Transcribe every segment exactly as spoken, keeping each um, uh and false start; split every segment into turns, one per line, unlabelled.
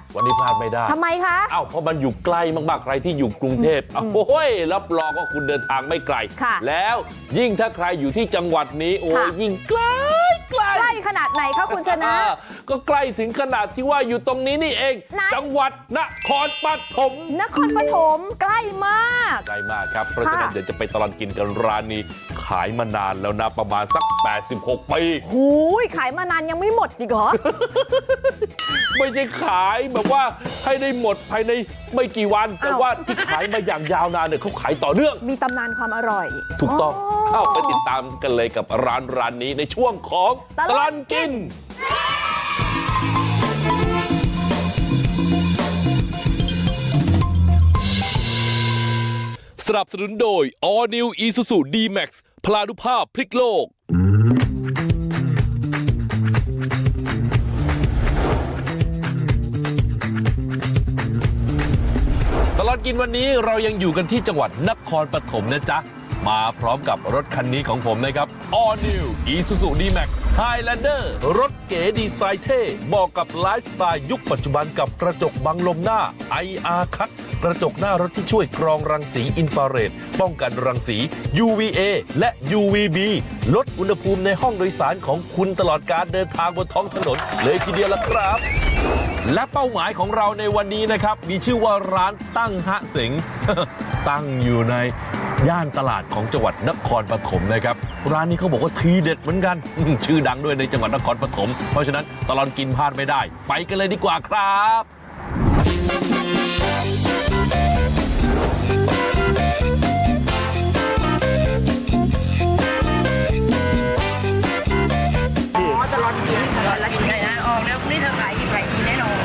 วันนี้พลาดไม่ได้
ทำไมคะ
อ้าวเพราะมันอยู่ใกล้มากๆใครที่อยู่กรุงเทพโอ้ยรับรองว่าคุณเดินทางไม่ไกลแล้วยิ่งถ้าใครอยู่ที่จังหวัดนี้โอ้ยยิ่งใกล้ใกล้
ใกล้ขนาดไหนคะคุณชนะ
ก็ใกล้ถึงขนาดที่ว่าอยู่ตรงนี้นี่เองจังหวัดนครปฐม
นครปฐมใกล้มาก
ใกล้มากครับเพราะฉะนั้นเดี๋ยวจะไปตลอดกินกันร้านนี้ขายมานานแล้วนะประมาณสักแปดสิบหกปี
หูยขายมานานยังไม่หมดอีกเหรอ
ไม่ใช่ขายแบบว่าให้ได้หมดภายในไม่กี่วันแต่ว่าที่ขายมาอย่างยาวนานเนี่ยเขาขายต่อเนื่อง
มีตำนานความอร่อย
ถูกต้องเข้าไปติดตามกันเลยกับร้านร้านนี้ในช่วงของตลอดกินสนับสนุนโดย All New Isuzu D-Max พลานุภาพพลิกโลกตลอดกินวันนี้เรายังอยู่กันที่จังหวัดนครปฐมนะจ๊ะมาพร้อมกับรถคันนี้ของผมนะครับ All New Isuzu D-Max Highlander รถเก๋ดีไซน์เท่เหมาะกับไลฟ์สไตล์ยุคปัจจุบันกับกระจกบังลมหน้า ไอ อาร์ Cut กระจกหน้ารถที่ช่วยกรองรังสีอินฟราเรดป้องกันรังสี ยู วี เอ และ ยู วี บี ลดอุณหภูมิในห้องโดยสารของคุณตลอดการเดินทางบนท้องถนนเลยทีเดียวละครับและเป้าหมายของเราในวันนี้นะครับมีชื่อว่าร้านตั้งฮะเสง ตั้งอยู่ในย่านตลาดของจังหวัดนครปฐมนะครับร้านนี้เขาบอกว่าทีเด็ดเหมือนกัน ชื่อดังด้วยในจังหวัดนครปฐมเพราะฉะนั้นตลอดกินพลาดไม่ได้ไปกันเลยดีกว่าครับ
ตลอดกินตลอดกินเลยนะออกแล้วนี่เธอขายกี่ขายดีแน่นอน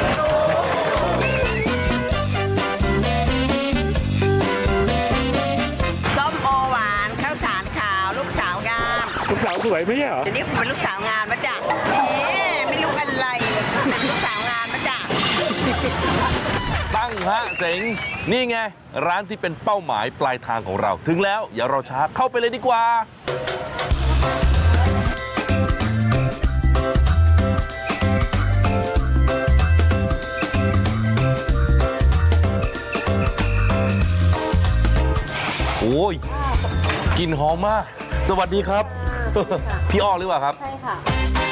ส้มโอหวานข้าวสารขาวลูกสาวงาม
ลูกสาวสวยไหมเหรอ
เดี๋ยวนี้เป็นลูกสาวงามมาจากไม่รู้อะไรเป็นลูกสาวงามมาจาก
ตั้งฮะเสงนี่ไงร้านที่เป็นเป้าหมายปลายทางของเราถึงแล้วอย่ารอช้าเข้าไปเลยดีกว่าโอ้ยกลิ่นหอมมากสวัสดีครับพี่อ้อหรือเปล่าครับ
ใช่ค่ะ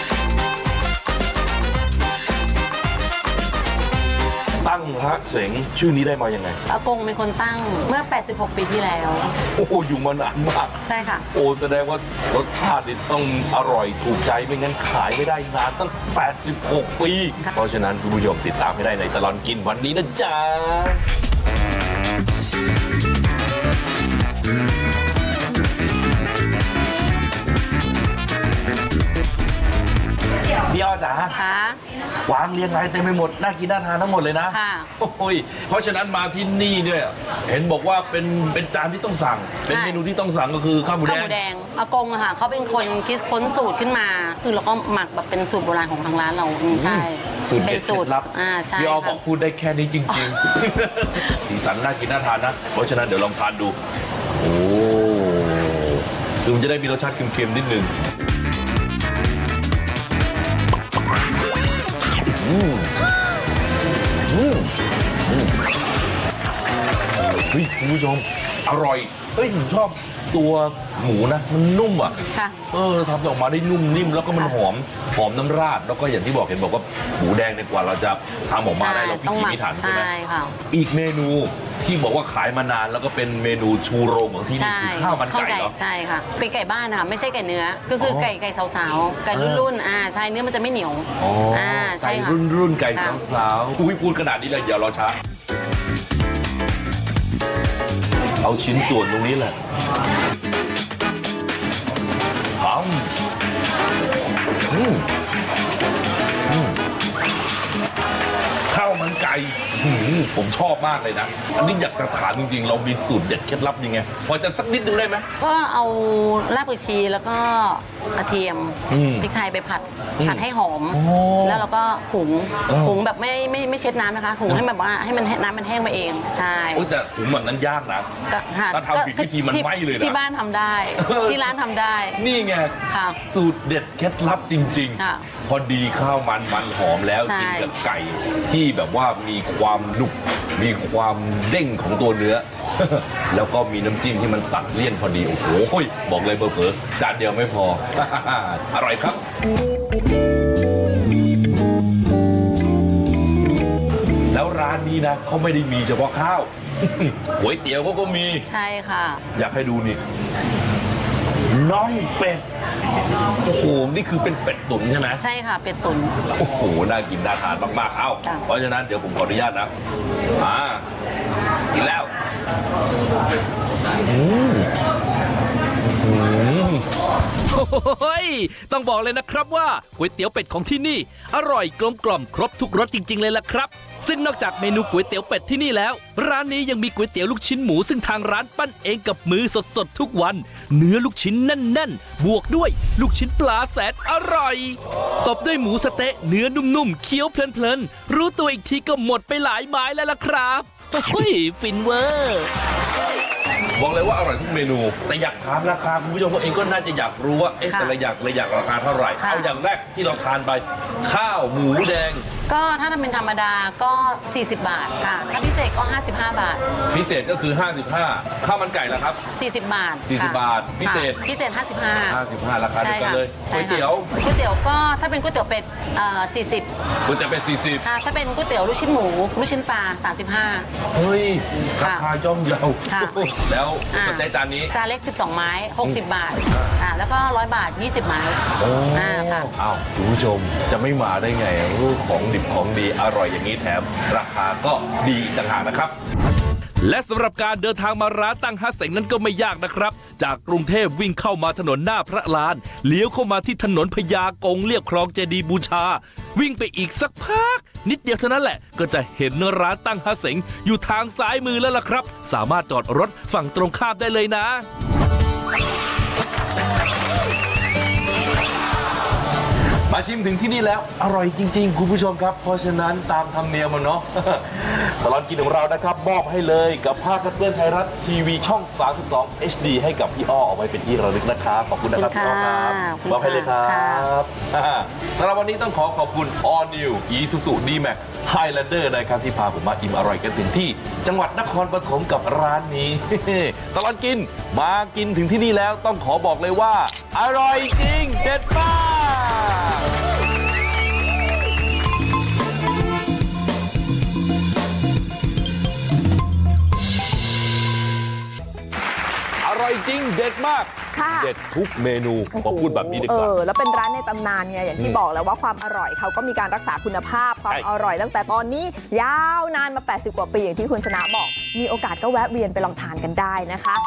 ตั้งฮะเสงชื่อนี้ได้มายังไง
อากงเป็นคนตั้งเมื่อแปดสิบหกปีที่แล้ว
โอ้โหอยู่มานานมาก
ใช่ค่ะ
โอ้แสดงว่ารสชาติต้องอร่อยถูกใจไม่งั้นขายไม่ได้นานตั้งแปดสิบหกปีเพราะฉะนั้นคุณผู้ชมติดตามให้ได้ในตลอดกินวันนี้นะจ๊ะพี่อ้อจ๋า
ค่ะ
วางเรียงรายเต็มไปหมดน่ากินน่าทานทั้งหมดเลยนะ
ค่ะ
โอ้ยเพราะฉะนั้นมาที่นี่เนี่ยเห็นบอกว่าเป็นเป็นจานที่ต้องสั่งเป็นเมนูที่ต้องสั่งก็คือข้าวหมูแดง
ข้าวหมูแดงอากงอะค่ะเขาเป็นคนคิดค้นสูตรขึ้นมาคือเราก็หมักแบบเป็นสูตรโบราณของทางร้านเราใช่
สูตรเด็ดเคล็ดลับ
อ่าใช่
พี่อ้อบอกพูดได้แค่นี้จริงๆสีสันน่ากินน่าทานนะเพราะฉะนั้นเดี๋ยวลองทานดูโอ้คือมันจะได้มีรสชาติเค็มๆนิดนึงอืมอืมอืมเฮ้ยคุณผู้ชมอร่อยเฮ้ยผมชอบตัวหมูนะมันนุ่มอ่ะเออทำออกมาได้นุ่มนิ่มแล้วก็มันหอมหอมน้ำราดแล้วก็อย่างที่บอกเห็นบอกว่าหมูแดงในกว่าเราจะทำออกมาได้เราพิถีพิถันใช่ไหมอีกเมนูที่บอกว่าขายมานานแล้วก็เป็นเมนูชูโรงของที่นี่คือข้าวมันไก่เหรอ
ใช่ค่ะเป็นไก่บ้านค่ะไม่ใช่ไก่เนื้อก็คือไก่ไก่สาวๆไก่รุ่นๆอ่าใช่เนื้อมันจะไม่เหนียว
อ่าใช่ค่ะรุ่นรุ่นไก่สาวๆอุ้ยพูดขนาดนี้เลยเดี๋ยวเราช้าเอาชิ้นส่วนตรงนี้แหละหอมอืมอืมข้าวมันไก่ผมชอบมากเลยนะอันนี้อยากจะถามจริงๆเรามีสูตรเด็ดเคล็ดลับยังไงพอจะสักนิดนึงได้ไหม
ก็เอารากผักชีแล้วก็กระเทียมพริกไทยไปผัดผัดให้หอมแล้วเราก็หุงหุงแบบไม่ไม่ไม่เช็ดน้ำนะคะหุงให้แบบว่าให้มันน้ำมันแห้งมาเองใช่
แต่หุงแบบนั้นยากนะถ้าทำผิดวิธีมันไหม้เลยนะ
ที่บ้านทำได้ที่ร้านทำได้
นี่ไงสูตรเด็ดเคล็ดลับจริงๆพอดีข้าวมันมันหอมแล้วกินกับไก่ที่แบบว่ามีความหนุบมีความเด้งของตัวเนื้อ แล้วก็มีน้ำจิ้มที่มันตัดเลี่ยนพอดีโอ้โหบอกเลยเผลอๆจานเดียวไม่พอ อร่อยครับ แล้วร้านนี้นะเขาไม่ได้มีเฉพาะข้าว ก๋วยเตี๋ยวเขาก็มี
ใช่ค่ะ
อยากให้ดูนี่น่องเป็ดโอ้โหนี่คือเป็นเป็ดตุ๋นใช่ไหม
ใช่ค่ะเป็ดตุ๋น
โอ้โหน่ากินน่าทานมากๆเอ้า
จ้ะ
เพราะฉะนั้นเดี๋ยวผมขออนุญาตนะอ่ากินแล้วอืมอืม
โอ้ยต้องบอกเลยนะครับว่าก๋วยเตี๋ยวเป็ดของที่นี่ อร่อยกลมกล่อมครบทุกรสจริงๆเลยล่ะครับซึ่งนอกจากเมนูก๋วยเตี๋ยวเป็ดที่นี่แล้ว ร้านนี้ยังมีก๋วยเตี๋ยวลูกชิ้นหมูซึ่งทางร้านปั้นเองกับมือสดๆทุกวัน เนื้อลูกชิ้นแน่นๆ บวกด้วยลูกชิ้นปลาแสนอร่อยตบด้วยหมูสะเต๊ะเนื้อนุ่มๆเคี้ยวเพลินๆรู้ตัวอีกทีก็หมดไปหลายไม้แล้วล่ะครับโอ้ยฟินเวอร์
บอกเลยว่าอร่อยทุกเมนู แต่อยากถามราคาคุณผู้ชมเองก็น่าจะอยากรู้ว่าเอ๊ะ
ค่ะ
แต่ละอย่างละอย่างราคาเท่าไหร่
ค่ะ
เอาอย่างแรกที่เราทานไปข้าวหมูแดง
ก็ถ้าเป็นธรรมดาก็ สี่สิบบาทค่ะถ้าพิเศษก็ ห้าสิบห้า บาท
พิเศษก็คือห้าสิบห้าข้าวมันไก่ละครับ
สี่สิบบาท
สี่สิบ
ค่ะ
บาทพิเศษ
ค่ะพิเศษ ห้าสิบห้า
ห้าสิบห้าราคาเดียวกันเลยก๋
ใช่
วย
ค่ะ
เตี๋ยว
ก๋วยเตี๋ยวก็ถ้าเป็นก๋วยเตี๋ยวเป็ดเอ่อสี่สิบ
ก๋วยเตี๋ยวเป็นสี่สิบ
ค่ะถ้าเป็นก๋วยเตี๋ยวลูกชิ้นหมูลูกชิ้นปลาสามสิบห้า
เฮ้ยรา
ค่ะ
คาย่อมเยา
ค่ะ
แล้ว
อ่า
สเต๊ะจานนี้
จานเล็กสิบสองไม้หกสิบบาทอ่าแล้วก็ร้อยบาทยี่สิบไม้
โอ้
อ่าค่ะ
อ้าวคุณผู้ชมจะไม่มาได้ไงรูปของดิบของดีอร่อยอย่างนี้แถมราคาก็ดีอีกต่างหากนะครับ
และสำหรับการเดินทางมาร้านตั้งฮัสเสงนั้นก็ไม่ยากนะครับ จากกรุงเทพวิ่งเข้ามาถนนหน้าพระลานเลี้ยวเข้ามาที่ถนนพญากงเรียบคลองเจดีย์บูชา วิ่งไปอีกสักพัก นิดเดียวเท่านั้นแหละ ก็จะเห็นร้านตั้งฮัสเสงอยู่ทางซ้ายมือแล้วล่ะครับ สามารถจอดรถฝั่งตรงข้ามได้เลยนะ
มาชิมถึงที่นี่แล้วอร่อยจริงๆ คุณผู้ชมครับ เพราะฉะนั้นตามธรรมเนียมมันเนาะ ตลอดกินของเรานะครับมอบให้เลยกับภาพเพื่อนไทยรัฐทีวีช่อง สามสิบสอง เอช ดี ให้กับพี่อ้อเอาไว้เป็นที่ระลึกนะครับขอบคุณนะครับ
ขอบ
พี่
คุ
อ้อ
ณ
ครับ
ค่ะ
มอบให้เลยครั
ค่ะ
บ สำหรับวันนี้ต้องขอขอบคุณ All New Isuzu D-Max Highlander นะครับที่พาผมมาอิ่มอร่อยกันถึงที่จังหวัดนครปฐมกับร้านนี้ ตลอดกินมากินถึงที่นี่แล้วต้องขอบอกเลยว่า อร่อยจริงเด็ดมาก อร่อยจริงเด็ดมาก
ค่ะ
เด็ดทุกเมนูขอพูดแบบนี้ดีกว่า
เออแล้วเป็นร้านในตำนานไงอย่างที่บอกแล้วว่าความอร่อยเขาก็มีการรักษาคุณภาพความ
ใช่
อร่อยตั้งแต่ตอนนี้ยาวนานมา แปดสิบ กว่าปีอย่างที่คุณชนะบอก มีโอกาสก็แวะเวียนไปลองทานกันได้นะคะ